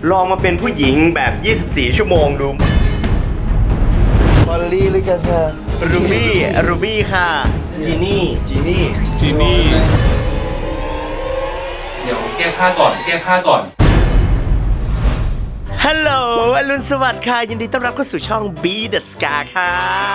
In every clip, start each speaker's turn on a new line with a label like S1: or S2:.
S1: ลองมาเป็นผู้หญิงแบบ 24 ชั่วโมงดู
S2: มอลลี่หรือกันค่ะ
S1: รูบี้ค่ะจีนี่
S3: เดี๋ยวแก้ผ้าก่อน
S1: ฮัลโหลอรุณสวัสดิ์ค่ะยินดีต้อนรับเข้าสู่ช่อง Be The Scar ค่ะ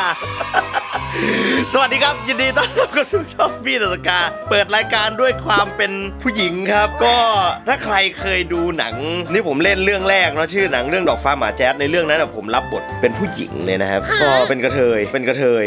S1: สวัสดีครับยินดีต้อนรับเข้าสู่ช่อง Be The Scar เปิดรายการด้วยความเป็นผู้หญิงครับก็ถ้าใครเคยดูหนังนี่ผมเล่นเรื่องแรกเนาะชื่อหนังเรื่องดอกฟ้าหมาแจ๊ดในเรื่องนั้นผมรับบทเป็นผู้หญิงเลยนะครับก็เป็นกระเทย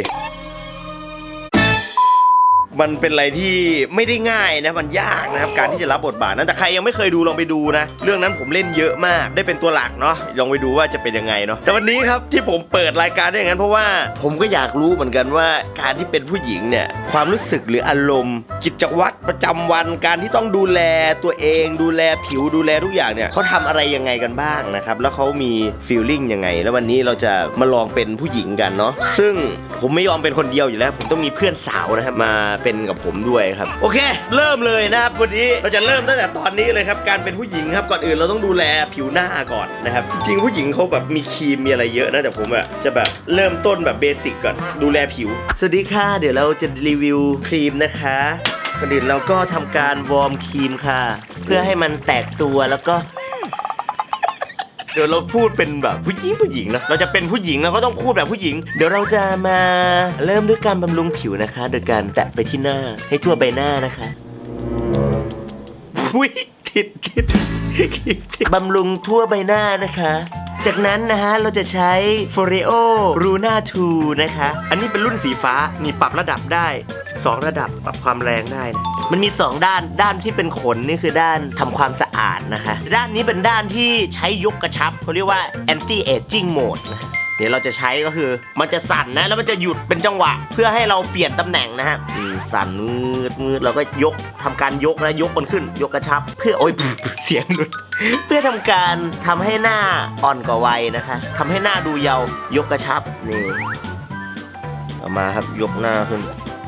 S1: มันเป็นอะไรที่ไม่ได้ง่ายนะมันยากนะครับการที่จะรับบทบาทนั้นแต่ใครยังไม่เคยดูลองไปดูนะเรื่องนั้นผมเล่นเยอะมากได้เป็นตัวหลักเนาะลองไปดูว่าจะเป็นยังไงเนาะแต่วันนี้ครับที่ผมเปิดรายการได้อย่างนั้นเพราะว่าผมก็อยากรู้เหมือนกันว่าการที่เป็นผู้หญิงเนี่ยความรู้สึกหรืออารมณ์กิจวัตรประจำวันการที่ต้องดูแลตัวเองดูแลผิวดูแลทุกอย่างเนี่ยเขาทำอะไรยังไงกันบ้างนะครับแล้วเขามีฟีลลิ่งยังไงแล้ววันนี้เราจะมาลองเป็นผู้หญิงกันเนาะซึ่งผมไม่ยอมเป็นคนเดียวอยู่แล้วผมต้องมีเพื่อนสาวนะครับมาเป็นกับผมด้วยครับโอเคเริ่มเลยนะครับวันนี้เราจะเริ่มตั้งแต่ตอนนี้เลยครับการเป็นผู้หญิงครับก่อนอื่นเราต้องดูแลผิวหน้าก่อนนะครับจริงๆผู้หญิงเขาแบบมีครีมมีอะไรเยอะนะแต่ผมอะจะแบบเริ่มต้นแบบเบสิกก่อนดูแลผิวสวัสดีค่ะเดี๋ยวเราจะรีวิวครีมนะคะก่อนอื่นเราก็ทำการวอร์มครีมค่ะเพื่อให้มันแตกตัวแล้วก็เดี๋ยวเราพูดเป็นแบบผู้หญิงนะเราจะเป็นผู้หญิงเราก็ต้องพูดแบบผู้หญิงเดี๋ยวเราจะมาเริ่มด้วยการบำรุงผิวนะคะโดยการแตะไปที่หน้าให้ทั่วใบหน้านะคะอุ้ยคิดบำรุงทั่วใบหน้านะคะจากนั้นนะฮะเราจะใช้ Foreo Luna 2 นะคะอันนี้เป็นรุ่นสีฟ้ามีปรับระดับได้12ระดับปรับความแรงได้นะมันมี2ด้านที่เป็นขนนี่คือด้านทำความสะอาดนะคะด้านนี้เป็นด้านที่ใช้ยกกระชับเขาเรียกว่า Anti Aging Mode นะเดี๋ยวเราจะใช้ก็คือมันจะสั่นนะแล้วมันจะหยุดเป็นจังหวะเพื่อให้เราเปลี่ยนตำแหน่งนะฮะสั่นมืดเราก็ยกทำการยกนะยกมันขึ้นยกกระชับเพื่อโอ๊ยเสียงหลุดเพื่อทำการทำให้หน้าอ่อนกว่าวัยนะคะทำให้หน้าดูเยาว์ยกกระชับนี่เอามาครับยกหน้าขึ้น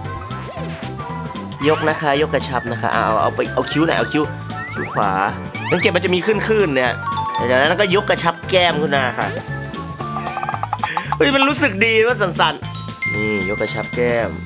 S1: ยกนะคะยกกระชับนะคะเอาคิ้วไหนเอาคิ้วขวาสังเกตมันจะมีขึ้นเนี่ยจากนั้นก็ยกกระชับแก้มขึ้นมาค่ะเฮ้ยมันรู้สึกดีว่าสั่นๆนี่ยกกระชับแก้ม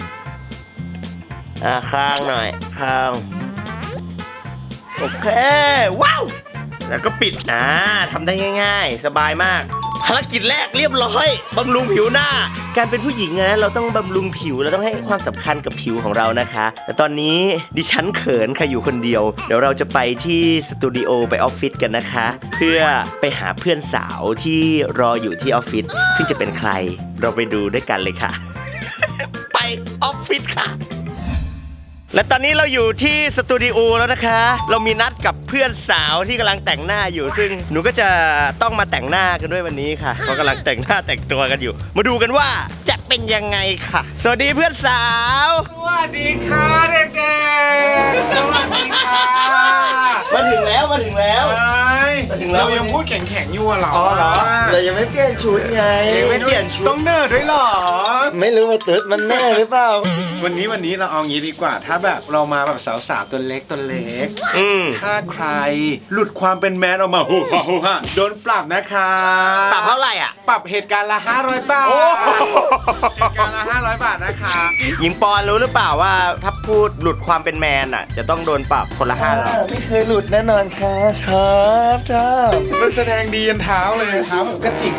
S1: ข้างหน่อยข้างโอเคว้าวแล้วก็ปิดทำได้ง่ายๆสบายมากภารกิจแรกเรียบร้อยบำรุงผิวหน้าการเป็นผู้หญิงนะเราต้องบำรุงผิวเราต้องให้ความสำคัญกับผิวของเรานะคะแต่ตอนนี้ดิฉันเขินค่ะอยู่คนเดียวเดี๋ยวเราจะไปที่สตูดิโอไปออฟฟิศกันนะคะเพื่อไปหาเพื่อนสาวที่รออยู่ที่ออฟฟิศซึ่งจะเป็นใครเราไปดูด้วยกันเลยค่ะ ไปออฟฟิศค่ะและตอนนี้เราอยู่ที่สตูดิโอแล้วนะคะเรามีนัดกับเพื่อนสาวที่กำลังแต่งหน้าอยู่ซึ่งหนูก็จะต้องมาแต่งหน้ากันด้วยวันนี้ค่ะเขากำลังแต่งหน้าแต่งตัวกันอยู่มาดูกันว่าจะเป็นยังไงค่ะสวัสดีเพื่อนสาว
S2: สวัสดีค่ะเด็กๆสวัสดีค่ะ
S1: มาถึงแล้ว
S2: เรายังพูดแข็งๆอยู่เหรอ
S1: เหรอเรายังไม่เปลี่ยนชุดไง
S2: ไม่เปลี่ยนชุดต้องเนิร์ดด้วยหรอ
S1: ไม่รู้ว่าตึ๊ดมันแน่หรือเปล่า
S2: วันนี้เราเอางี้ดีกว่าถ้าแบบเรามาแบบสาวๆตัวเล็กถ้าใครหลุดความเป็นแมนออกมาฮูฮ่าโดนปรับนะคะ
S1: ปรับเท่าไหร่อ่ะ
S2: ปรับเหตุการณ์ละ500 บาทเหตุการณ์ละ500 บาทนะคะ
S1: หญิงปอนรู้หรือเปล่าว่าถ้าพูดหลุดความเป็นแมนอ่ะจะต้องโดนปรับคนละ500
S2: ไม่เคยหลุดแน่นอนค่ะชอบมันแสดงดียันเท้าเลยเท้าแบบกระจิก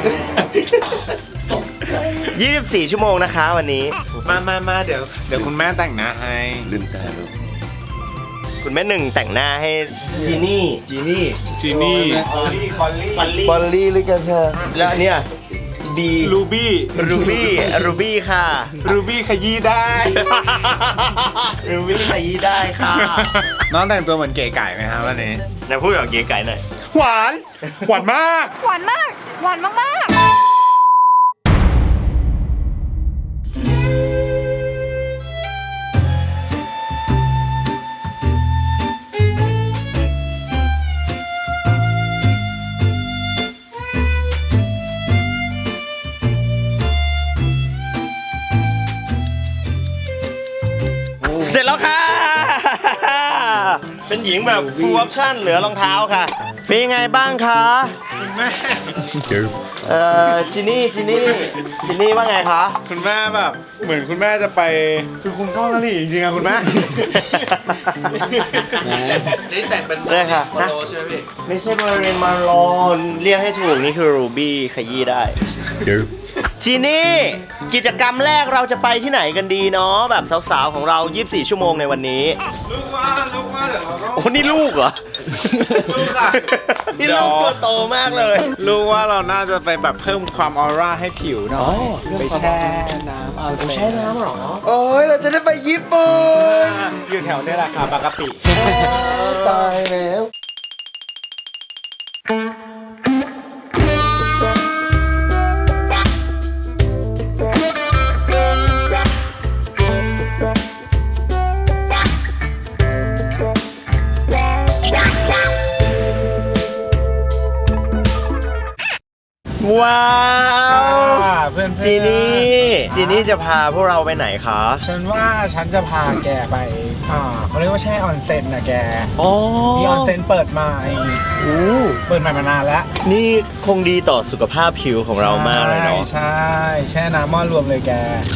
S1: 24 ชั่วโมงนะคะวันนี้
S2: มาเดี๋ยวคุณแม่แต่งหน้าให้
S1: ลืมตาลูกคุณแม่หนึ่งแต่งหน้าให้จีนี่
S2: คอลลี่หรือกันค่ะ
S1: แล้วเนี่ย
S2: รูบี้
S1: ค่ะ
S2: รูบี้ขยี้ได้
S1: รูบี้ขยี้ได้ค่ะ
S2: น้องแต่งตัวเหมือนเก๋ไก่ไหมครับวันนี้
S1: นะพูดแบบเก๋ไก่หน่อย
S2: หวานมาก
S4: หวานมาก
S1: เสร็จแล้วค่ะเป็นหญิงแบบ full option เหลือรองเท้าค่ะเป็นยังไงบ้างคะ
S2: คุณแม่
S1: จินี่ว่าไงคะ
S2: คุณแม่แบบเหมือนคุณแม่จะไปคือคุณเข้ากะหรี่จริงๆอะคุณแม่
S3: นี่แต่งเป็น
S1: ได้ค่ะ
S3: มาโลใช่ไหมพี่
S1: ไม่ใช่มาเรนมาลอนเรียกให้ถูกนี่คือรูบี้ขยี้ได้จีนี่กิจกรรมแรกเราจะไปที่ไหนกันดีเนาะแบบสาวๆของเรา 24 ชั่วโมงในวันนี้
S2: ลูกว่าเดี๋ยวเราต้อง
S1: โอ้นี่ลูกเหรอ
S2: ลูกอะ
S1: นี่ลูกตัวโตมากเลย
S2: ลูกว่าเราน่าจะไปแบบเพิ่มความออร่าให้ผิวหน่อย
S1: อ๋อ
S2: ไปแช่น้ำเอา
S1: ใช้น้ำเหรอ
S2: โอ้ยเราจะได้ไปญี่ปุ่นอยู่แถวนี้แหละค่ะบางกะปิ
S1: ตายแล้ว ว้าว
S2: เพื่อนๆ
S1: จีนี่จะพาพวกเราไปไหนคะ
S2: ฉันว่าฉันจะพาแกไปเขาเรียกว่าแช่ออนเซ็นนะแก
S1: อ๋อ
S2: มีออนเซ็นเปิดใหม่เปิดใหม่มานานแล้ว
S1: นี่คงดีต่อสุขภาพผิวของเรามากเลยเนาะ
S2: ใช่แช่น้ำหม้อรวมเลยแก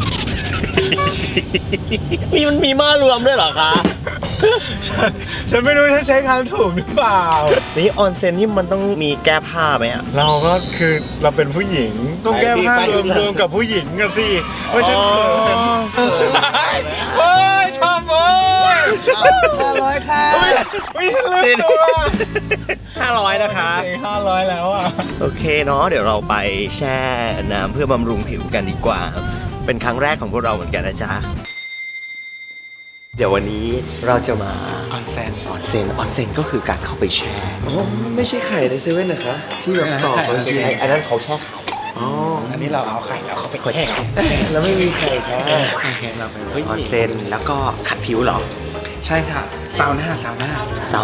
S1: มันมีหม้อรวมด้วยเหรอคะ
S2: ฉันไม่รู้ถ้าใช้คำถูกหรือเปล่า
S1: นี่ออนเซ็นนี่มันต้องมีแก้ผ้าไหมอ่ะ
S2: เราก็คือเราเป็นผู้หญิงต้องแก้ผ้ารวมกับผู้หญิงกันสิไม่ใช่เขินโอ้ยชอบโอ้ย500ค่ะไม่ลืมตัว
S1: 500 นะคะ
S2: 500แล้วอ่ะ
S1: โอเคเนาะเดี๋ยวเราไปแช่น้ำเพื่อบำรุงผิวกันดีกว่า เป็นครั้งแรกของพวกเราเหมือนกันนะจ๊ะ เดี๋ยววันนี้เราจะมา
S2: ออนเซ็น
S1: ออนเซ็นก็คือการเข้าไปแช่
S5: ไม่ใช่ไข่ในเซเว่นนะคะ ที่แบบตอกไปจริง
S1: อันนั้นเขาแช่ไข่
S5: อ๋อ
S2: อันนี้เราเอาไข่แล้วเขาไปแช่
S5: แล้วไม่มีไข่ค่ะ
S2: โอเคเราเป็นผู้ห
S1: ออน
S2: ญิง
S1: เซ็นแล้วก็ขัดผิวเหรอ
S2: ใช่ค่ะซาวน่า
S1: ซาวน่า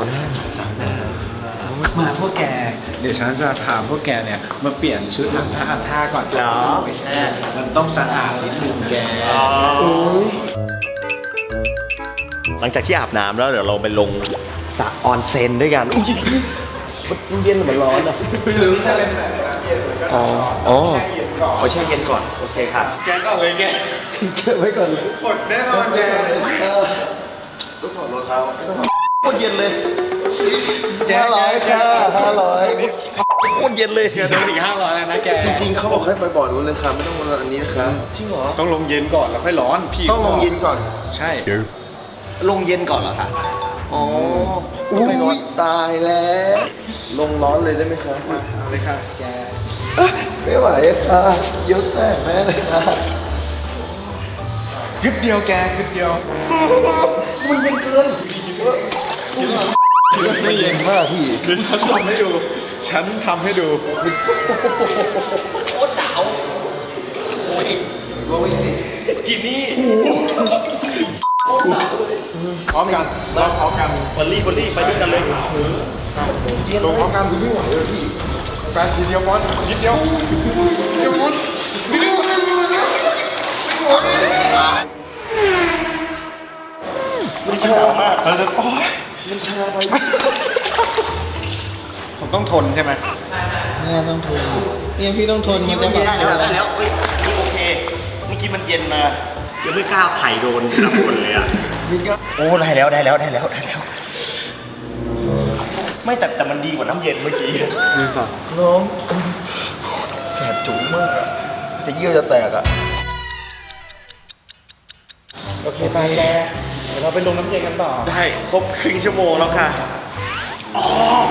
S2: มาพวกแก เดี๋ยวฉันจะพาพวกแกเนี่ยมาเปลี่ยนชุดอาบท่าก่อนไปแช่มันต้องสะอาดนิดนึงแก
S1: หลังจากที่อาบน้ำแล้วเดี๋ยวเราไปลงสระออนเซ็นด้วยกันอุ๊ยมันเย็นหรือมันร้อนอ่ะ
S2: หรือจะเป็นแบบน้ำเย็นหรือก็
S1: อ๋อ
S2: ร้อนแช่เย็นก่อน
S1: เอาแช่เย็นก่อนโอเคค่ะ
S2: แกก่อนเลยแก
S5: เก็บไว้ก่อนเลย
S2: กดแน่นอนแก
S5: ต้องถอดรองเท้า
S1: โคตรเย็นเลย
S5: 500ค่ะ500
S1: โคตรเย็นเลย
S2: แกโดนอีก500แล้วนะแก
S5: จริงๆเขาบอกให้ไปบ่อนู้นเลยค่ะไม่ต้องมาอันนี้นะคะ
S1: จริงเหรอ
S2: ต้องลงเย็นก่อนแล้วค่อยร้อนพี่
S5: ต้องลงเย็นก่อน
S2: ใช่
S1: ลงเย็นก่อนเหรอคะอ๋อ
S5: อุ้ยตายแล้ว ลงร้อนเลยได้ไหมคะ
S2: มาเอาเลยค่ะแก
S5: ไม่ไหวค่ะยกแตกแม่เลยค่ะ
S2: กึดเดียวแกกึดเดียว
S1: มันเย็นเกิน
S5: ไม่เย็นมากพี่
S2: เดี๋ยวฉันทำให้ดู ฉันทำให้ดู
S1: โคตรหนาวโอ้ย
S5: ลงไปสิ
S1: จินนี่
S2: พร้อมกันเราพร้อมกัน
S1: บอลลี่ไปด้วยกันเลย
S2: ลงพร้อมกันดูไม่ไหวเลยพี่แฟนทีเดียวบอลนิดเดียวเดียวบอลนิดเดียวมันชามากเราจะโอ๊ย
S5: มันชาไป
S2: ผมต้องทนใช่ไหม
S5: เนี่ยต้องทนเนี่ยพี่ต้องทน
S1: เมื่อกี้มันเย็นได้แล้วเฮ้ยนี่โอเค เมื่อกี้มันเย็นมายังไม่กล้าไข่โดนรับคนเลยอ่ะ
S5: นี่ก็
S1: โอ้ได้แล้วไม่แต่มันดีกว่าน้ำเย็นเมื่อกี้
S5: นี่ค่ะน้องแสบจุ๋มมากอะแต่เยี่ยวจะแตกอ่ะ
S2: โอเคไปแกเดี๋ยวเราไปลงน้ำเย็นกันต่อ
S1: ได้ครบครึ่งชั่วโมงแล้วค่ะอ๋อ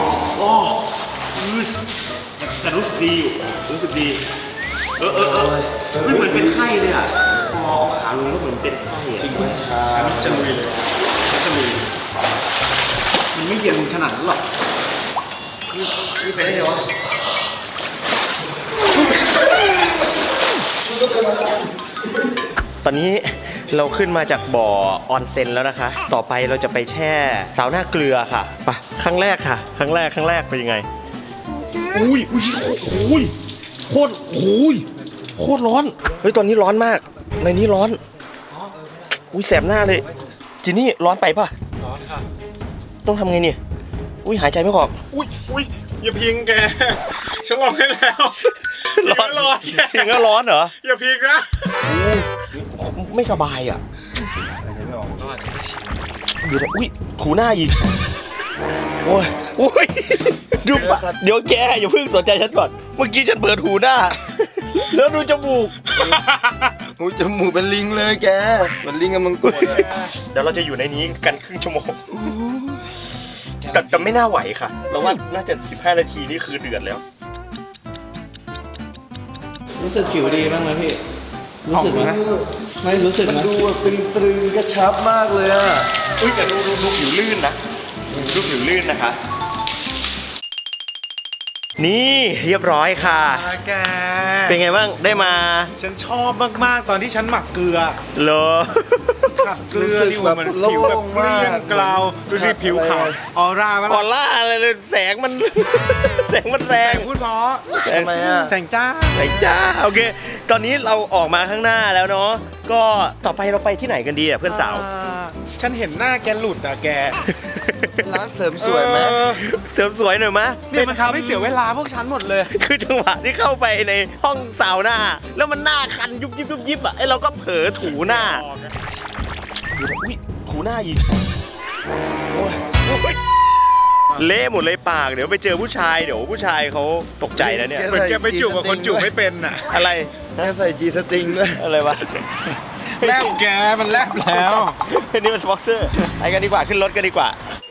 S1: แต่รู้สึกดีอยู่รู้สึกดีไม่เหมือนเป็นไข้เลยอ่ะพอเอาขาลงแล้วเหมือนเป็นไข้อ่ะจริงไหม
S2: จะลุยเลยจะลุยมันไม่เย็นขนาดนั้นหรอก
S1: นี่ไปได้เหรอตอนนี้เราขึ้นมาจากบ่อออนเซ็นแล้วนะคะ ต่อไปเราจะไปแช่ซาวน่าเกลือค่ะไปครั้งแรกค่ะ ครั้งแรกเป็นยังไงอุ้ยโคตรร้อนเฮ้ยตอนนี้ร้อนมากในนี้ร้อนอุ้ยแสบหน้าเลยจีนี่ร้อนไปป่ะ
S2: ร้อนค่ะ
S1: ต้องทำไงเนี่ยอุ้ยหายใจไม่ออกอุ้ย
S2: อย่าพิงแกฉันลองให้แล้วร้อน
S1: พิงก็ร้อนเหรอ
S2: อย่าพิงนะ
S1: ไม่สบายอ่ะดูนะอุ้ยถูหน้าอีกโอ้ยอุ้ยดูปะเดี๋ยวแกอย่าเพิ่งสนใจฉันก่อนเมื่อกี้ฉันเปิดถูหน้าแล้วดูจมูก
S5: หูจมูกเป็นลิงเลยแกเหมือนลิงกำลังกดอะ
S1: เดี๋ยวเราจะอยู่ในนี้กันครึ่งชั่วโมงแต่ไม่น่าไหวค่ะเราว่าน่าจะ15 นาทีนี่คือเดือดแล้ว
S3: รู้สึกผิวดีบ้างไหมพี่ รู้สึกไหมไม่รู้สึก
S5: มัน
S3: นะ
S5: ดูแบบตรึงกระชับมากเลยอะ
S1: อุ้ยแต่ดูผิวลื่นนะดูผิวลื่นนะคะ นี่เรียบร้อยค่ะ
S2: แก
S1: เป็นไงบ้างได้มา
S2: ฉันชอบมากๆตอนที่ฉันหมักเกลือ
S1: เหรอ
S2: ขัดเกลือที่มันผิวแบบเกลี้ยงเกลาดูสิผิวขาวออร่ามัน
S1: ออร่าอะไรเลยแสงมัน แสงมันแร
S2: แส
S1: ง
S2: งพูดเพราะ
S1: แสง
S5: ทำไมอะ
S2: แสงจ้า
S1: ไหนจ้าโอเค ตอนนี้เราออกมาข้างหน้าแล้วเนาะก็ต่อไปเราไปที่ไหนกันดีอ่ะเพื่อนสาว
S2: ฉันเห็นหน้าแกหลุดอ่ะแก
S5: ร้านเสริมสวยไหม
S1: เสริมสวยหน่อยมะ
S2: เนี่ยมันทำให้เสียเวลาพวกฉันหมดเลย
S1: คือจังหวะที่เข้าไปในห้องซาวน่าแล้วมันหน้าคันยุบยิบยุบยิบอ่ะไอเราก็เผลอถูหน้าอุ้ยถูหน้าอีกโอ้ยเละหมดเลยปากเดี๋ยวไปเจอผู้ชายเดี๋ยวผู้ชายเขาตกใจแล้วเนี่ย
S2: เหมือนแกไปจูบกับคนจูบไม่เป็นอ่ะ
S1: อะไร
S5: แกใส่จีสตริงด้วย
S1: อะไรวะ
S2: แลบแกมันแลบแล้ว
S1: นี่มันสปอนเซอร์ไปกันดีกว่าขึ้นรถกันดีกว่า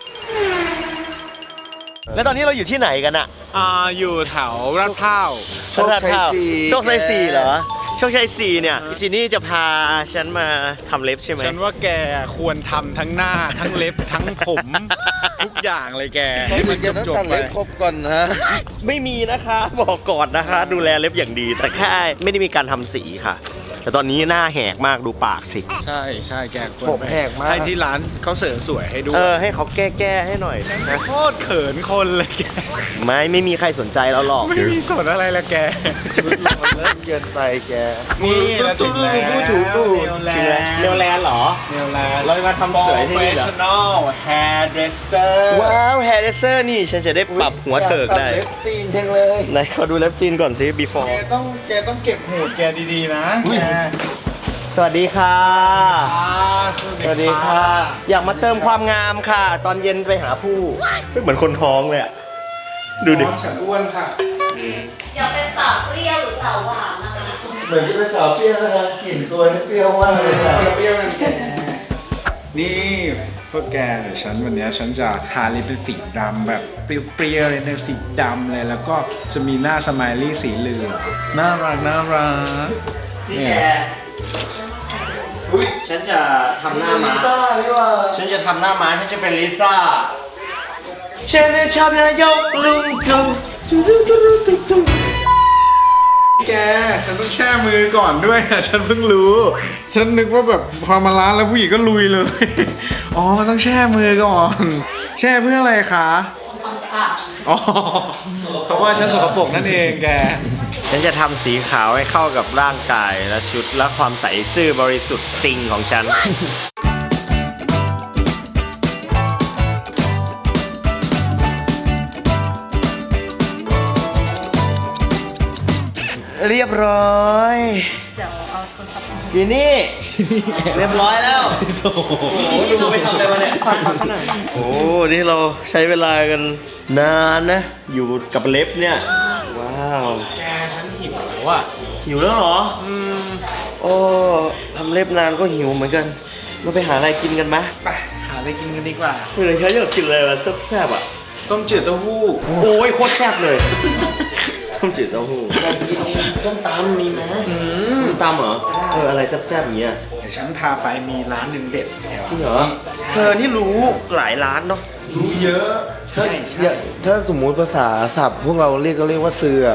S1: แล้วตอนนี้เราอยู่ที่ไหนกันอะ
S2: อยู่แถวลาดพร้าว
S5: โชคชัยสี่
S1: โชคชัย4เหรอโชคชัย4เนี่ยจีนี่จะพาฉันมาทำเล็บใช่ไหม
S2: ฉันว่าแกควรทำทั้งหน้าทั้งเล็บทั้งผม ทุกอย่างเลยแกให้มัน
S5: แกต้อง
S2: จบ
S5: ตัด
S2: ๆไป
S5: เล็บครบก่อนนะ
S1: ไม่มีนะคะบอกก่อนนะคะ ดูแลเล็บอย่างดี แต่แค่ไม่ได้มีการทำสีค่ะ แต่ตอนนี้หน้าแหกมากดูปากสิ
S2: ใช่ใช่แกควร
S5: ผมแหกมาก
S2: ให้ที่ร้านเขาเสริมสวยให้ด้วย
S1: ให้เขาแก้ให้หน่อยนะ
S2: โคตรเขินคนเลยแก
S1: ไม่มีใครสนใจเราหรอก
S2: ไม่มีสนอะไรละแก
S5: ชุดเราเลิศเกินไปแก
S2: นี่เราถึงแล้ว
S5: พูดถูกพูด
S1: จริงไหมเนวแลนด์เหรอ
S2: เนวแลนด์
S1: เรามาทำสวยที่นี่เหรอ
S2: Professional hairdresser
S1: ว้าวแฮร์เดเซอร์นี่ฉันจะได้ปรับหัวเถิกได้
S5: ตัเล็บตีนจังเลย
S1: ไหนขอดูเล็บตีนก่อนสิ before
S2: แกต้องเก็บหูดแกดีๆนะแก
S1: สวัสดีค่ะ สวัสดีค่ะ อยากมาเติมความงามค่ะ ตอนเย็นไปหาผู้เหมือนคนท้องเลยอะดูดิ
S2: ฉันอ้วนค่ะ
S4: อยากเป็นสาวเปรี้ยวหรือสาวหวานนะคะ
S5: เหมือนจะเป็นสาวเปรี้ยวนะคะกลิ่นตัวนี่เปรี้ยวมากเลยค่ะ
S2: เปรี้ยวกันแกนี่พวกแกเดี๋ยวฉันวันนี้ฉันจะทาลิปเป็นสีดำแบบเปรี้ยวๆเลยนะสีดำเลยแล้วก็จะมีหน้าสไมลี่สีเหลืองน่ารักน่ารัก
S1: นี่แกฉันจะทำหน้าม้า
S5: ลิซ่านี่ว่า
S1: ฉันจะทำหน้าม้าฉันจะเป็นลิซ่า ฉันจะชอบนายกลุงจุง
S2: แกฉันต้องแช่มือก่อนด้วยอะฉันเพิ่งรู้ ฉันนึกว่าแบบพอมาร้านแล้วผู้หญิงก็ลุยเลย อ๋อมันต้องแช่มือก่อน แช่เพื่ออะไรคะ
S4: ความสะอาด
S2: อ๋อเพราะว่าฉันสกปรกนั่นเองแก
S1: ฉันจะทำสีขาวให้เข้ากับร่างกายและชุดและความใสซื่อบริสุทธิ์ซิงของฉัน เรียบร้อย
S4: เดี๋ยวเอาโทรศัพท์
S1: จีนี่ เรียบร้อยแล้ว โอ้โหดูไปทำอะไรมาเนี่ย
S4: ขอขนาด
S1: โอ้ นี่เราใช้เวลากันนานนะ อยู่กับเล็บเนี่ย ว้าว
S2: แกฉันหิวอ่ะ
S1: หิวแล้วเหรอ โอ้ทำเล็บนานก็หิวเหมือนกัน เราไปหาอะไรกินกันไหม
S2: ไปหาอะไรกินกันดีกว่า
S1: เฮ้ยฉันอยากกินอะไรแบบแซ่บๆอ่ะ
S2: ต้มจืดเต้าหู้
S1: โอ้ยโคตรแซ่บเลย ต้มจืดเต้าหู้
S5: ส้มตำมีไหม
S1: ต้มตำเหรอ อะไรแซ่บๆอย่างเงี้ย
S2: เดี๋ยวฉันพาไปมีร้านหนึ่งเด็ดแถว
S1: จริงเหรอ เธอนี่รู้หลายร้านเนาะ
S2: รู้เยอะ ใช่
S5: อย่าถ้าสมมุติภาษาศัพท์พวกเราเรียกก็เรียกว่าเสือก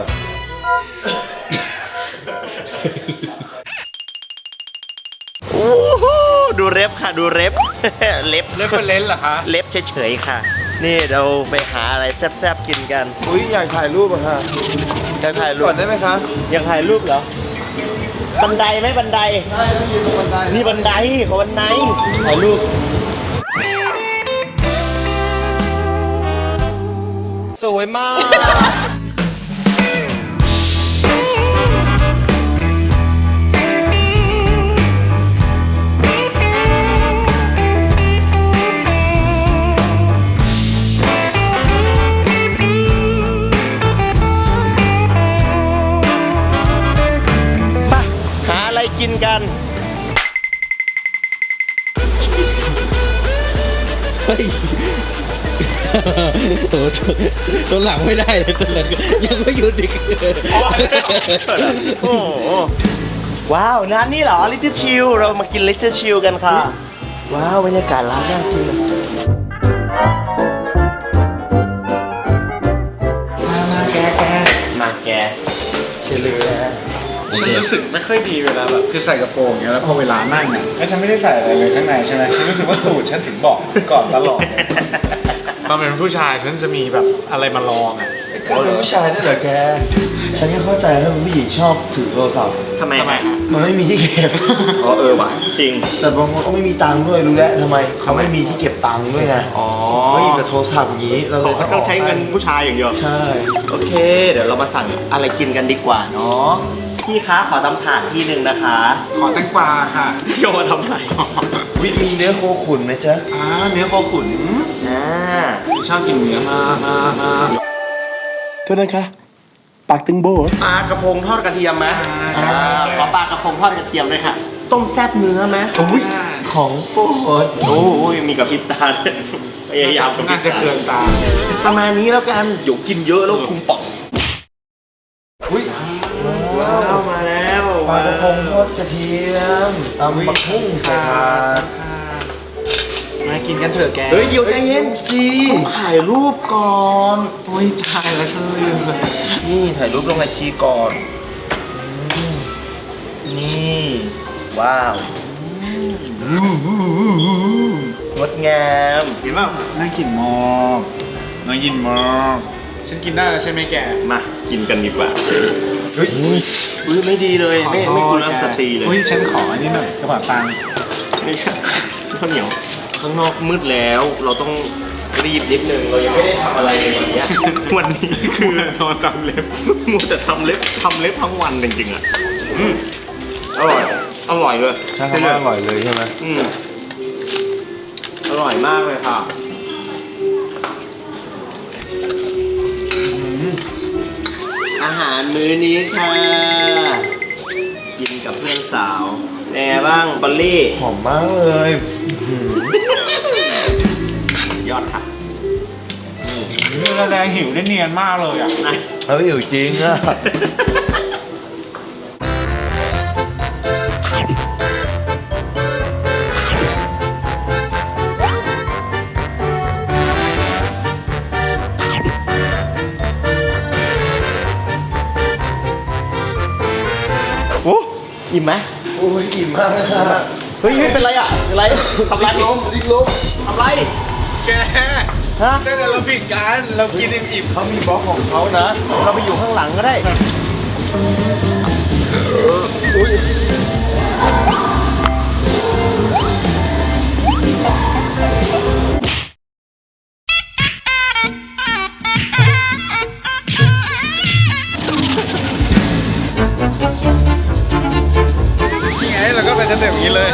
S1: โอ้โหดูเล็บค่ะดูเล็บ เล็บ
S2: เรฟเฟรนซ์เหรอคะ
S1: เล็บเฉยๆค่ะ นี่เราไปหาอะไรแซ่บๆกินกัน
S5: อุ้ยอยากถ่ายรูปอะค่ะ
S1: จะถ่ายรู
S5: ก่
S1: ป
S5: อนได้ไหมคะ
S1: อยากถ่ายรูปเหรอ บันไดไหมบันได
S5: ได้ต้องยืนตรงบันได
S1: นี่บันไดขอบันไดถ่ายรูปสวยมาก ไปหาอะไรกินกัน
S3: เฮ้ยโอ้ตัวหลังไม่ได้เลยตัวหลังยังไม่หยุดอีก
S1: โอ้โหว้าวร้านนี้เหรอ Little Chill เรามากิน Little Chill กันค่ะ ว้าวบรรยากาศร้านน่ากินมาแกเชลือ
S2: ฉันรู้สึกไม่ค่อยดีเวลาแบบคือใส่กระโปรงอย่างเงี้ยแล้วพอเวลานั่งอ่ะแล้วฉันไม่ได้ใส่อะไรเลยข้างในใช่ไหมฉันรู้สึกว่าตูดฉันถึงบอกก่อนตลอดตอนเป็นผู้ชายฉันจะมีแบบอะไรมาลองอ่ะ
S5: ก็เป็นผู้ชายด้วยเหรอแก ฉันก็เข้าใจถ้าเป็นผู้หญิงชอบถือโทรศัพท์
S1: ทำไม
S2: ฮะ
S5: มันไม่มีที่เก็บ
S1: อ๋อว่ะจริง
S5: แต่บางคนก็ไม่มีตังค์ด้วยรู้แล้วทำไมเขาไม่มีที่เก็บตังค์ด้วยไง
S1: อ๋อ
S5: เขาหยิบแต่โทรศัพท์อย่างนี้เราเลย
S1: ต้องใช้เงินผู้ชายอย่างเดียว
S5: ใช่
S1: โอเค เดี๋ยวเรามาสั่งอะไรกินกันดีกว่าเนาะพี่คะขอตำถาดที่หนึ่งนะคะ
S2: ขอแตงกวาค่ะ
S1: โยมาทำไร
S5: มีเนื้อโคขุนไหมจ๊ะ
S2: เนื้อโคขุน ชอบกินเนื้อมาก
S5: โทษนะคะปากตึงโบ
S1: ปลากระพงทอดกระเทียมไหม
S2: จ้า
S1: ขอปลากระพงทอดกระเทียมด้วยค่ะ ต้มแซ่บเนื้อไหม
S5: อุ้ยของโปรด
S1: โอ้ยมีกับพริบตาด้วยพยายามกับพริ
S2: น่า
S1: บ
S2: จะ
S1: ตา
S2: เคืองตา
S1: ประมาณนี้แล้วกันเดี๋ยวกินเยอะแล้วคุมป่อง
S5: อุ้ย
S1: ว้าวมาแล้ว
S5: ปลากระพงทอดกระเทียมตำบักหุ่งใส่ถาด
S2: มากินกันเถอะแก
S1: เฮ้ยเดี๋ยวใจเย็น
S5: สิ
S1: ต้องถ่ายรูปก่อน
S2: โอ้ยตายแล้วฉันลืมเลย
S1: นี่ถ่ายรูปลงไอจีก่อนนี่ว้าวงดงาม
S2: เห็นป่ะน่ากินมากน่ากินมากฉันกินได้แล้วใช่ไหมแก
S1: มากินกันดีกว่า
S5: เฮ้ย
S1: อุ้ยไม่ดีเลยไม่กุลสตรีเลย
S2: อุ้ยฉันขออันนี้หน่อยกระเป๋าตังค์
S1: ไม่ใช่ข้าวเหนียวข้างนอกมืดแล้วเราต้องรีบนิดนึงเรายังไม่ได้ทำอะไรเลยวันเนี้ย วันนี้คือน
S2: อนตามเล็บ
S1: มัวแต่ทำเล็บทั้งวันจริงๆอ่ะอร่อยอร่อยเลย
S5: ใช่คำว่าอร่อยเลยใช่ไหม
S1: อร่อยมากเลยค่ะอาหารมื้อนี้ค่ะ กินกับเพื่อนสาวแน่บ้างบอลลี่
S5: หอมมากเลย
S1: ยอดค่ะ
S2: เนื้อแดงหิวได้เนียนมากเลยอ่ะ
S1: นะ
S5: แล้วอยู่จริงอ่ะ
S1: โอ้อิ่มไหม
S5: โอ้ยอิ่มมากเลยค่ะ
S1: เฮ้ยเป็นไรอ่ะเป็นไรทำไร
S5: ดิ้งลม
S1: ทำไร
S2: แก
S1: ฮะ
S2: ตั้งแต่เราผิดกันเรากินอิ่ม
S5: เขามีบล็อกของเขานะ
S1: เราไปอยู่ข้างหลังก็ได้
S2: ๆนี่ไงเราก็เป็นกันแบบนี้เลย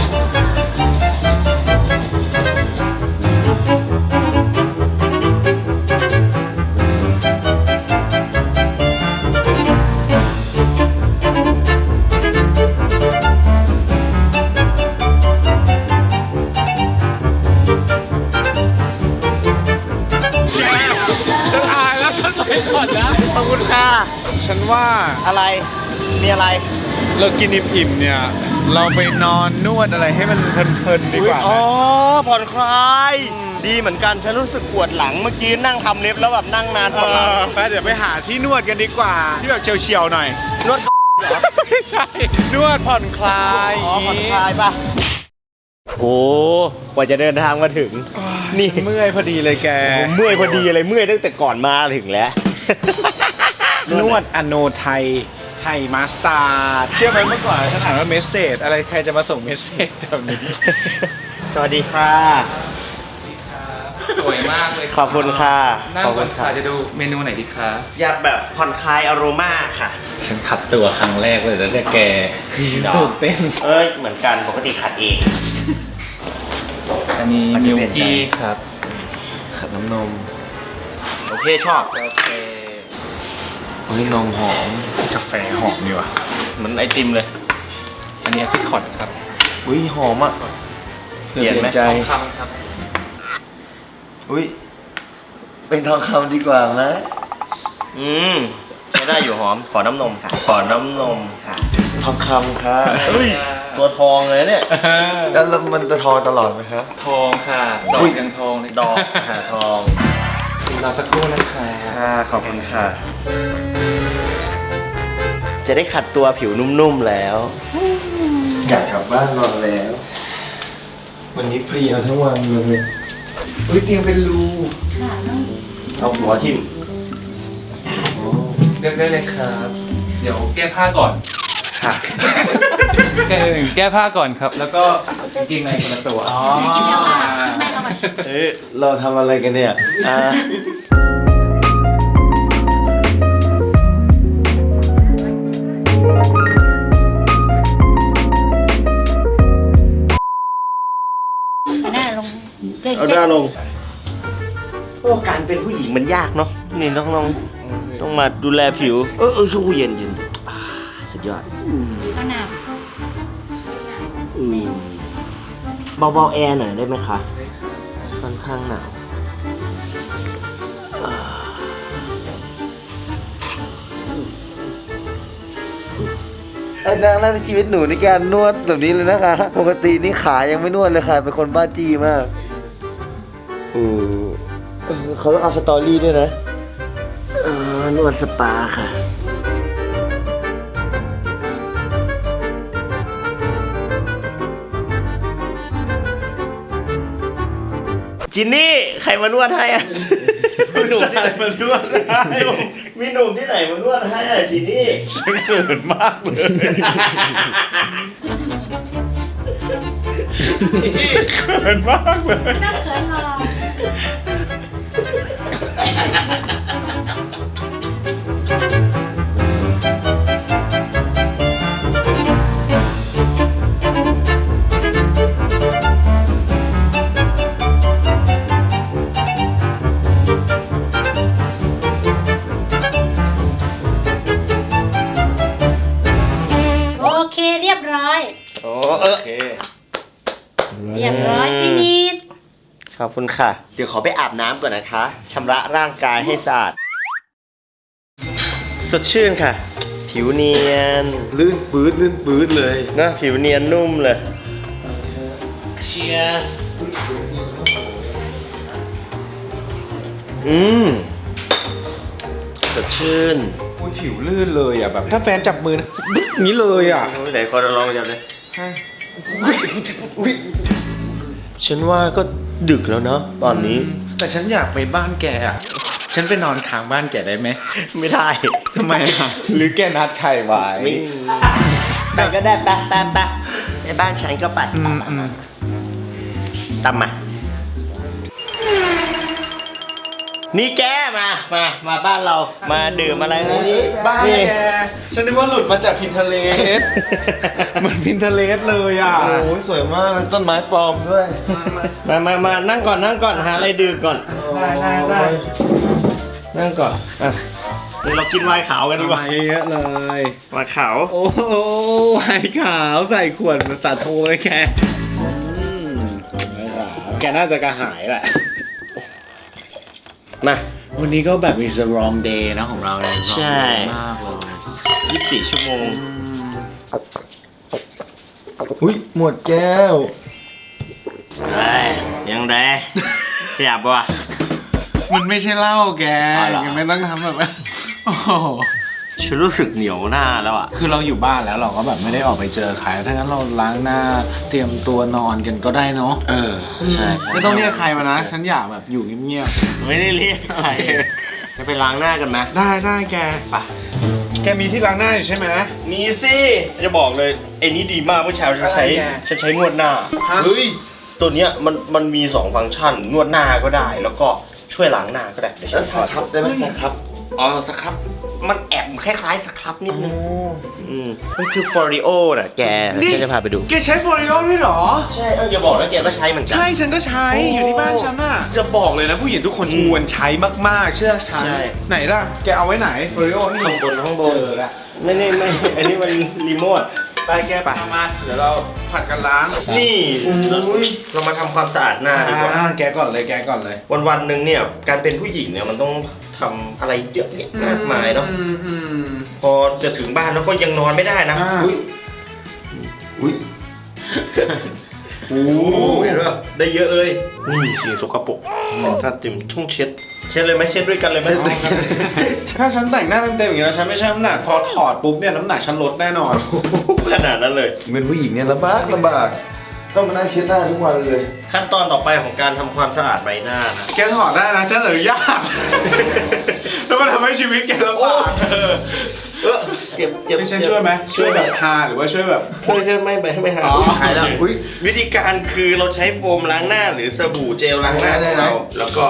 S2: จะถ่ายแล้วฉันไปก่อนนะ
S1: ขอบคุณค่ะ
S2: ฉันว่า
S1: อะไร มีอะไร
S2: เรากินอิ่มๆเนี่ย เราไปนอนนวดอะไรให้มันเพลินๆดีกว่า
S1: อ๋อ
S2: นะ
S1: ผ่อนคลาย ดีเหมือนกัน ฉันรู้สึกปวดหลังเมื่อกี้นั่งทำเล็บแล้วแบบนั่งนานปวดหลัง
S2: ไปเดี๋ยวไปหาที่นวดกันดีกว่า ที่แบบเฉียวๆหน่อย
S1: นวด
S2: ไม่ใช่ นวดผ่อนคลาย
S1: อ๋อผ่อนคลายป่ะ โอ้กว่าจะเดินทางมาถึง นี่
S2: เมื่อยพอดีเลยแก
S1: ผมเมื่อยพอดีอะไรเมื่อยตั้งแต่ก่อนมาถึงแล้ว
S2: นวดอโนไทย ไทยมาสซาจเชื่อไหมเมื่อก่อนฉันอ่านว่าเมสเซจอะไรใครจะมาส่งเมสเซจแบบนี้
S1: สวัสดีค่ะ
S2: ส
S6: สวยมากเลย
S1: ขอบคุณค่ะ
S6: นั่ง
S1: ขอบ
S6: ก่
S1: คุ
S6: อน
S1: ณ
S6: ค่ะ
S1: ค่ะ
S6: จะดูเมนูไหนดีคะ
S1: อยากแบบผ่อนคลายอโรมาค่ะ
S3: ฉันขัดตัวครั้งแรกเลยแล้วเนี่ยแกตื่นเต้น
S1: เอ้ยเหมือนกันปกติขัดเอง
S6: อันนี้
S3: อันนี้
S6: มิล
S3: เปลี่ยนใจ
S6: กี้ครับ
S3: ขัดน้ำนม
S1: โอเคชอบ
S6: โอเค
S3: เฮ้ยนมหอม
S2: กาแฟหอมดีว่ะ
S1: เหมือนไอติมเลย
S6: อันนี้พิคอตครับ
S3: อุ้ยหอมอ่ะ
S1: เปลี่ยนไหม
S3: ใจ
S6: ทองคำครับ
S3: อุ้ยเป็นทองคำดีกว่าไหม
S1: ใช้ได้อยู่หอม ขอน้ำนมค่ะ ขอน้ำนมค่ะ
S3: ทองคำค่ะ
S1: เฮ้ย ตัวทองเลยเนี่ย
S3: แล้วมันจะทองตลอดไหมครับ
S6: ทองค่ะ ดอ
S3: อุ๊
S6: ก
S3: ย
S6: ยังทองเลย
S1: ดอกหาทอง
S6: รอสักครู่นะคะ
S1: ค่ะขอบคุณค่ะ จะได้ขัดตัวผิวนุ่มๆแล้ว
S3: อยากกลับบ้านนอนแล้ว วันนี้เพลียทั้งวันเลยอุ้ยเตียงเป็นรู
S1: เอาหัวทิ่ม
S6: เลือกได้เลยครับ เดี๋ยวแก้ผ้าก่อน
S1: ค่ะ
S6: แก้ผ้าก่อนครับ แล้วก็กางเกงในคนละตัว อ๋อ
S1: เอ้ย
S3: เราทำอะไรกันเนี่ย
S1: อ่า
S4: หน้าลงเจ๊
S1: เอาหน้าลง โอ้การเป็นผู้หญิงมันยากเนาะ นี่น้องๆต้องมาดูแลผิว ชูเย็นอ่าสุดยอด
S4: ข้าวหน้า
S1: เบาๆแอร์หน่อยได้ไหมคะ ค่อนข้างหนาว
S3: อันนั้นในชีวิตหนูในการนวดแบบนี้เลยนะคะ ปกตินี่ขายังไม่นวดเลยค่ะ เป็นคนบ้าจี้มากเขาต้องเอาสตอรี่ด้วยนะ
S1: นวดสปาค่ะ จินนี่ ใครมานวดให้อ่ะมีหนุ่มที่ไหนมานวดให้มีหนุ่มที่ไหนมานวดให้อ่ะจินนี่
S2: ฉันเขินมากเลย เขินมากเลย
S4: น่าเขินเรา โอเคเรียบร้อย
S1: โอ้
S6: โอเค
S4: เรียบร้อยฟินิช
S1: ขอบคุณค่ะ เดี๋ยวขอไปอาบน้ำก่อนนะคะชำระร่างกายให้สะอาด สดชื่นค่ะ ผิวเนียน
S3: ลื่นปื๊ดเลย
S1: นะผิวเนียนนุ่มเลย
S6: Cheers
S1: สดชื่น
S2: อุ้ยผิวลื่นเลยอ่ะแบบ ถ้าแฟนจับมือนะบึ๊กนี้เลยอ่ะ
S1: ไหนคนลองจับเลยฉันว่าก็ดึกแล้วเนาะตอนนี้
S2: แต่ฉันอยากไปบ้านแกอ่ะ ฉันไปนอนค้างบ้านแกได้ไหม
S1: ไม่ได้
S2: ทำไมอ่ะ หรือแกนัดใครไว้
S1: ไม่ไปก็ได้ไปในบ้านฉันก็ไป ตามมา นี่แกมาบ้านเรา มาดื่มอะไรนะนี่
S2: บ้าน
S1: นี่
S2: แก ฉันนึกว่าหลุดมาจากพินเทเลส เหมือนพินเทเลสเลยอ่ะ
S3: โอ้ยสวยมากเลยต้นไม้ปลอมด้วย
S1: มานั่งก่อนหาอะไรดื่มก่อน
S2: ได้
S1: นั่งก่อนอ่ะเดี๋ยวเรากินไวน์ขาวกันดีกว่า
S2: มาเยอะๆเลย
S1: ไวน์ขาว
S2: โอ้โหไวน์ขาวใส่ขวดมันสาโทเลยแกแกน่าจะกระหายแหละ
S1: มา
S2: วันนี้ก็แบบมี strong day นะของเราเลย
S1: ใช่
S2: มากเลย
S1: 24 ชั่วโมง
S3: อุ้ยหมดแก้ว
S1: เฮ้ยยังไงเสียบว่ะ
S2: มันไม่ใช่เหล้าแก
S1: อ๋อเหรอ
S2: แกไม่ต้องทำแบบโอ้โห
S1: ฉันรู้สึกเหนียวหน้าแล้วอ่ะ
S2: คือเราอยู่บ้านแล้วเราก็แบบไม่ได้ออกไปเจอใครถ้างั้นเราล้างหน้าเตรียมตัวนอนกันก็ได้เนาะ
S1: ใช่
S2: ไม่ต้องเรียกใครมานะ ฉันอยากแบบอยู่เงียบ
S1: ไม่ได้เรียกอะไรจะไปล้างหน้ากันไหม
S2: ๆได้แกไปแกมีที่ล้างหน้าอยู่ใช่ไหม
S1: มีสิ จะบอกเลยไอ้นี้ดีมากเมื่อเช้าฉันใช้
S2: อะไรแก
S1: ฉันใช้นวดหน้า
S3: เฮ้ย
S1: ตัวเนี้ยมันมี2ฟังก์ชันนวดหน้าก็ได้ แล้วก็ช่วยล้างหน้าก็ได้เดี๋ยวฉันถอด
S3: ครับได้ไหมสครับ
S1: อ๋อสครับมันแอบคล้ายๆสครับนิดนึงมันคือฟอริโอน่ะแกฉันจะพาไปดู
S2: แกใช้โฟลิโอด้วยเหรอ
S1: ใช่อย่าบอกแล้วแกก็ใช้เหมือนกัน
S2: ใช่ฉันก็ใช้อยู่ที่บ้านฉันน่ะจะบอกเลยนะผู้หญิงทุกคนควรใช้มากๆเชื่อฉัน
S1: ใช่
S2: ไหนล่ะแกเอาไว้ไหนโฟลิโอนี่
S1: ข้างบน
S2: เจอละ
S1: ไม่ อันนี้มันรีโมทไปแกไปมาเดี๋ยวเรา
S2: ผัดกันล้าง
S1: นี่เรามาทำความสะอาดหน้าดีกว่า
S2: แกก่อนเลยแกก่อนเลย
S1: วันๆหนึ่งเนี่ยการเป็นผู้หญิงเนี่ยมันต้องทำอะไรเยอะแยะมากมายเนาะพอจะถึงบ้านแล้วก็ยังนอนไม่ได้นะ
S3: อุ้ย
S1: โอ้เห็นป่ะได้เยอะเลยนี่สิ่งสกปรกถ้าติมช่องเช็ดเลยไหมเช็ดด้วยกันเลยไหม
S2: ถ้าฉันแต่งหน้าเต็มๆอย่างนี้แล้วฉันไม่ใช่น้ำหนักพอถอดปุ๊บเนี่ยน้ำหนักฉันลดแน่นอน
S1: ขนาดนั้นเลย
S3: เป็นผู้หญิงเนี่ยลำบากต้องมานั่งเช็ดหน้าทุกวันเลย
S1: ขั้นตอนต่อไปของการทำความสะอาดใบหน้านะ
S2: แกถอดได้นะฉันอนุญาตแล้วมันทำให้ชีวิตแกลำบาก
S1: เจ็บ
S2: ให้ฉันช่วยไหมช่วยแบบทาหรือว่าช่วยแบบ
S1: ช่วยไม่หาย
S2: อ๋อ
S1: หายแล้ว
S3: อุ๊ย
S1: วิธีการคือเราใช้โฟมล้างหน้าหรือสบู่เจลล้างหน้าของเราแล้วก็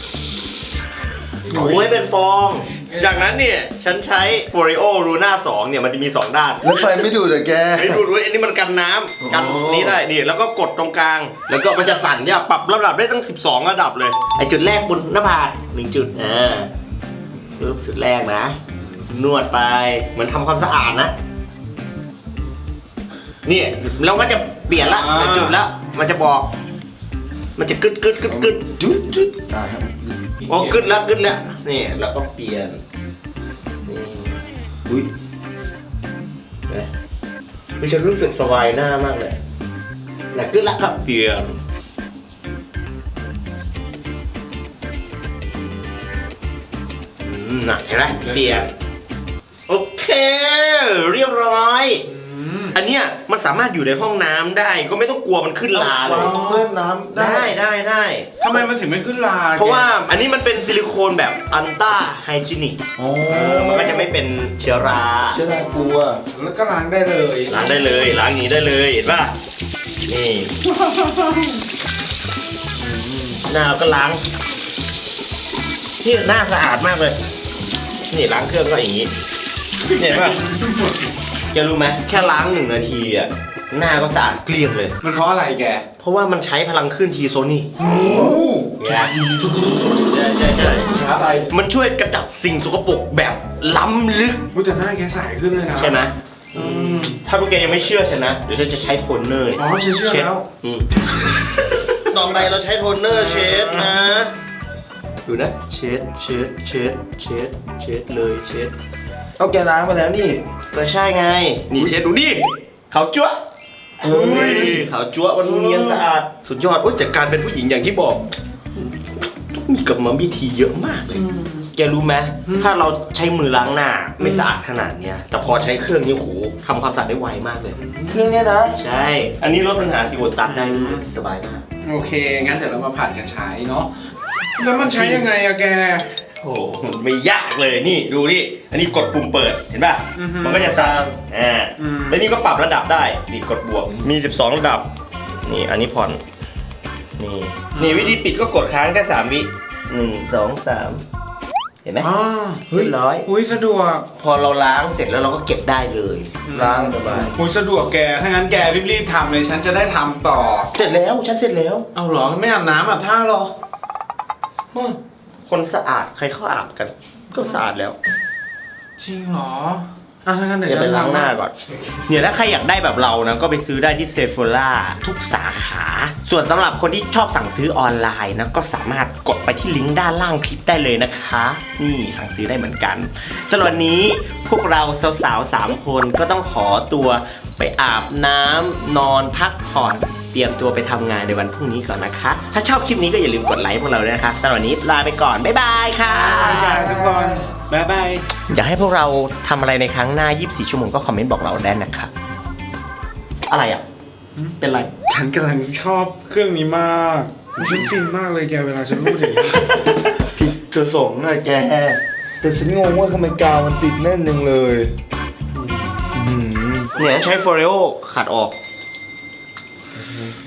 S1: ถูให้เป็นฟอง จากนั้นเนี่ยฉันใช้ Foreo Luna 2เนี่ยมันจะมี2ด้าน
S3: แล้วไฟไม่ดูดเหรอแก
S1: ไม่ดูดด้วยอันนี้มันกันน้ำกันนี้ได้นี่แล้วก็กดตรงกลาง แล้วก็มันจะสั่นเนี่ยปรับระดับได้ตั้ง12ระดับเลยไอจุดแรกบนหน้าผาก1จุดปึ๊บจุดแรกนะ นวดไปเหมือนทำความสะอาดนะนี่เราก็จะเปลี่ยนละจุดแล้วมันจะบอกมันจะกึด
S3: จุด
S1: โอ้กึดแล้วนี่แล้วก็เปลี่ยนนี่
S3: อุ้ย
S1: ไม่ใช่รู้สึกสบายหน้ามากเลยแล้วกึดแล้วก็เปลี่ยนหนักใช่ไหมเปลี่ยนโอเคเรียบร้อยอันเนี้ยมันสามารถอยู่ในห้องน้ำได้ก็ไม่ต้องกลัวมันขึ้นลาเลย
S3: เพิ่มน้ำได้
S1: ได้
S2: ทำไมมันถึงไม่ขึ้นลา
S1: เพราะว่าอันนี้มันเป็นซิลิโคนแบบอันต้าไฮจีนิกมันก็จะไม่เป็นเชื้อรา
S3: เชื่อได้กลัว
S2: แล้วก็ล้างได้เลย
S1: ล้างได้เลยล้างอย่างนี้ได้เลยเห็นป่ะนี่หน้าเราก็ล้างนี่หน้าสะอาดมากเลยนี่ล้างเครื่องก็อย่างนี้เห็นป่ะแกรู้ไหมแค่ล้าง1 นาทีอ่ะหน้าก็สะอาดเกลี้ยงเลย
S2: มันเพราะอะไรแก
S1: เพราะว่ามันใช้พลังคลื่นทีโซนี่
S2: โอ้
S1: ใช่ มันช่วยกระจัดสิ่งสกปรกแบบล้ำลึก
S2: พูดแต่หน้าแกใสขึ้นเลยนะ
S1: ใช่ไหมถ้าพวกแกยังไม่เชื่อฉันนะเดี๋ยวฉันจะใช้โทนเนอร์
S2: อ๋อฉันเชื่อแล้ว
S1: ต่อไปเราใช้โทนเนอร์เช็ดนะดูนะเช็ดเลยเช็ด
S3: เอาแกล้างมาแล้วนี่
S1: ก็ใช่ไงนี่เช็ดดูดิขาวจั๊วขาวจั๊วมันเนียนสะอาดสุดยอดแต่การเป็นผู้หญิงอย่างที่บอกต้องมีกรรมวิธีเยอะมากเลยแกรู้ไหมถ้าเราใช้มือล้างหน้าไม่สะอาดขนาดเนี้ยแต่พอใช้เครื่องนี้โหทำความสะอาดได้ไวมากเลย
S3: เครื่องเนี้ยนะ
S1: ใช่ อันนี้ลดปัญหาสิวตัดได้ด้วยสบายมาก
S2: โอเคงั้นเดี๋ยวเรามาผัดกันใช้เนาะแล้วมันใช้ยังไงอะแก
S1: โอ้โหไม่ยากเลยนี่ดูนี่อันนี้กดปุ่มเปิดเห็นป่ะมันก็จะสั่นแล้วนี่ก็ปรับระดับได้นี่กดบวกมี12ระดับนี่อันนี้ผ่อนนี่วิธีปิดก็กดค้างแค่3 วิ1 2 3เห็นไหม
S2: เฮ้ย
S1: เรียบร้อย
S2: อุ้ยสะดวก
S1: พอเราล้างเสร็จแล้วเราก็เก็บได้เลย
S3: ล้างสบาย
S2: อุ้ยสะดวกแกถ้างั้นแกรีบๆทำเลยฉันจะได้ทำต่อ
S1: เสร็จแล้วฉันเสร็จแล้ว
S2: เอาเหรอไม่อาบน้ำอาบท่าหรอ
S1: คนสะอาดใครเข้าอาบกัน ก็สะอาดแล้ว
S2: จริงเหรอถ้างั้นเดี๋ยว
S1: เดี๋ยว
S2: ฉั
S1: ไป
S2: น
S1: ล้างหน้าก่อนเนี่ยถ้าใครอยากได้แบบเรานะก็ไปซื้อได้ที่เซฟ h ล่าทุกสาขา ส่วนสำหรับคนที่ชอบสั่งซื้อออนไลน์นะก็สามารถกดไปที่ลิงก์ด้านล่างคลิปได้เลยนะคะ นี่สั่งซื้อได้เหมือนกันสำหรับวันนี้พวกเราสาวๆ3 คนก็ต้องขอตัวไปอาบน้ำนอนพักผ่อนเตรียมตัวไปทำงานในวันพรุ่งนี้ก่อนนะคะ ถ้าชอบคลิปนี้ก็อย่าลืมกดไลค์พวกเราด้วยนะคะสำหรับวันนี้ลาไปก่อนบ๊ายบายค่ะ
S2: ทุกคนบ๊ายบาย
S1: อยากให้พวกเราทำอะไรในครั้งหน้า 24 ชั่วโมงก็คอมเมนต์บอกเราได้นะครับอะไรอ่ะ เป็นไร
S2: ฉันกำลังชอบเครื่องนี้มากฉันฟินมากเลยแกเวลาฉันพูดอย่างนี้
S3: ผิดจะสงอะแก แต่ฉันงงว่าทำไมกาวมันติดแน่นยังเลย
S1: เนี่ยใช้ Foreo ขัดออก